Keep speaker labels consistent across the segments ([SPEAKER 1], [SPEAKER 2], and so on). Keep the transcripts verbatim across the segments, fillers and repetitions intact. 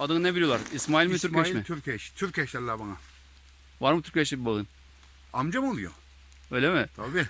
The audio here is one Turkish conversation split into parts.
[SPEAKER 1] Adını ne biliyorlar? İsmail mi, Türkeş
[SPEAKER 2] İsmail
[SPEAKER 1] mi?
[SPEAKER 2] Türkeş. Türkeş derler bana.
[SPEAKER 1] Var mı Türkeş'li bir balığın?
[SPEAKER 2] Amcam oluyor.
[SPEAKER 1] Öyle mi?
[SPEAKER 2] Tabii.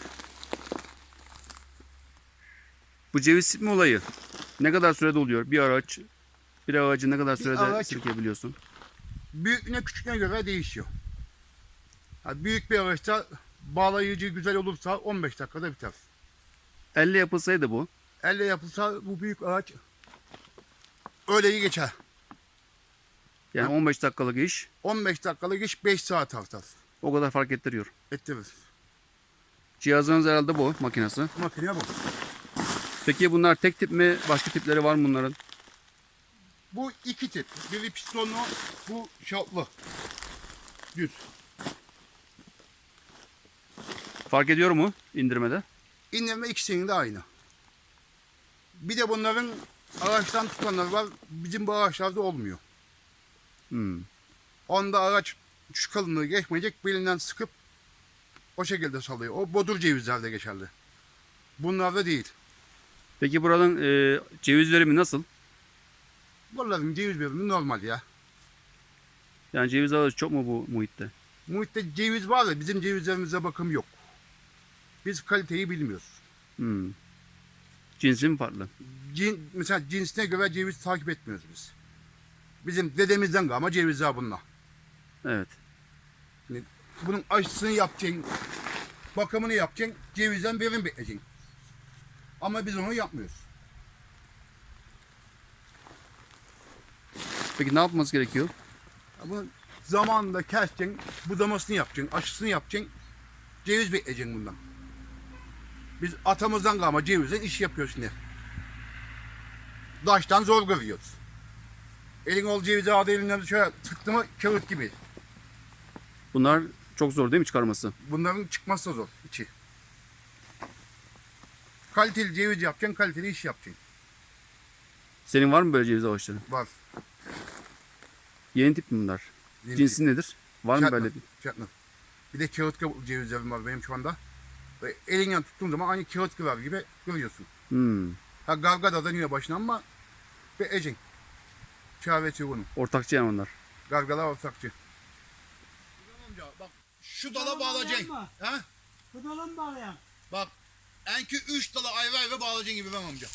[SPEAKER 1] Bu ceviz sıkma olayı ne kadar sürede oluyor? Bir ağaç, bir ağacı ne kadar
[SPEAKER 2] Bir
[SPEAKER 1] sürede
[SPEAKER 2] ağaç-
[SPEAKER 1] sirkebiliyorsun?
[SPEAKER 2] Büyüklüğüne küçüklüğüne göre değişiyor. Ha, büyük bir ağaçta bağlayıcı güzel olursa on beş dakikada biter.
[SPEAKER 1] Elle yapılsaydı bu.
[SPEAKER 2] Elle yapılsa bu büyük ağaç öyle iyi geçer.
[SPEAKER 1] Yani on beş dakikalık iş
[SPEAKER 2] on beş dakikalık iş beş saat artar.
[SPEAKER 1] o kadar fark ettiriyor.
[SPEAKER 2] Ettirir.
[SPEAKER 1] Cihazınız herhalde bu makinesi.
[SPEAKER 2] Makine bu.
[SPEAKER 1] Peki bunlar tek tip mi? Başka tipleri var mı bunların?
[SPEAKER 2] Bu iki tip. Biri pistonlu, bu şaplı. Düz.
[SPEAKER 1] Fark ediyor mu indirmede?
[SPEAKER 2] İndirme ikisinin de aynı. Bir de bunların ağaçtan tutanlar var. Bizim bu ağaçlarda olmuyor.
[SPEAKER 1] Hmm.
[SPEAKER 2] Onda ağaç şu kalınlığı geçmeyecek, belinden sıkıp o şekilde salıyor. O bodur cevizlerde geçerli. Bunlarda değil.
[SPEAKER 1] Peki buranın e, ceviz verimi nasıl?
[SPEAKER 2] Bunların ceviz verimi normal ya.
[SPEAKER 1] Yani ceviz alıcı çok mu bu muhitte?
[SPEAKER 2] Muhitte ceviz var da bizim cevizlerimize bakım yok. Biz kaliteyi bilmiyoruz.
[SPEAKER 1] Hmm. Cinsi mi farklı?
[SPEAKER 2] Cin, mesela cinsine göre ceviz takip etmiyoruz biz. Bizim dedemizden kalma cevizler bunlar.
[SPEAKER 1] Evet.
[SPEAKER 2] Yani bunun aşısını yapacaksın, bakımını yapacaksın, cevizden verim bekleyeceksin. Ama biz onu yapmıyoruz.
[SPEAKER 1] Peki ne yapması gerekiyor?
[SPEAKER 2] Ya bunu zamanında keseceksin, budamasını yapacaksın, aşısını yapacaksın, ceviz bekleyeceksin bundan. Biz atamızdan kalma cevizden iş yapıyoruz şimdi. Daştan zor kırıyoruz. Elin ol cevizi adı elinden şöyle tıktı mı kağıt gibi.
[SPEAKER 1] Bunlar çok zor değil mi çıkarması?
[SPEAKER 2] Bunların çıkması da zor içi. Kaliteli ceviz yapacaksın, kaliteli iş yapacaksın.
[SPEAKER 1] Senin var mı böyle ceviz ağaçları?
[SPEAKER 2] Var.
[SPEAKER 1] Yeni tip mi bunlar?
[SPEAKER 2] Yeni
[SPEAKER 1] Cinsi nedir? Var mı
[SPEAKER 2] Çatnaf,
[SPEAKER 1] böyle bir?
[SPEAKER 2] çatnaf. Bir de kağıt kabuklu cevizlerim var benim şu anda. Ve elinden tuttuğun zaman aynı kağıt kırar gibi görüyorsun.
[SPEAKER 1] Hmm.
[SPEAKER 2] Ha gargada da yine başına ama ve ecin. Çaresi bunun.
[SPEAKER 1] Ortakçı yani onlar.
[SPEAKER 2] Gargala ortakçı. Amca bak şu dala
[SPEAKER 3] Dala
[SPEAKER 2] bağlayacaksın.
[SPEAKER 3] bağlayan
[SPEAKER 2] Ha?
[SPEAKER 3] Kıdalı mı bağlayan?
[SPEAKER 2] Bak enki üç dala ayrı ayrı bağlayacaksın gibi ben amca.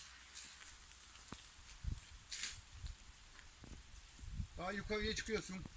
[SPEAKER 2] Daha yukarıya çıkıyorsun.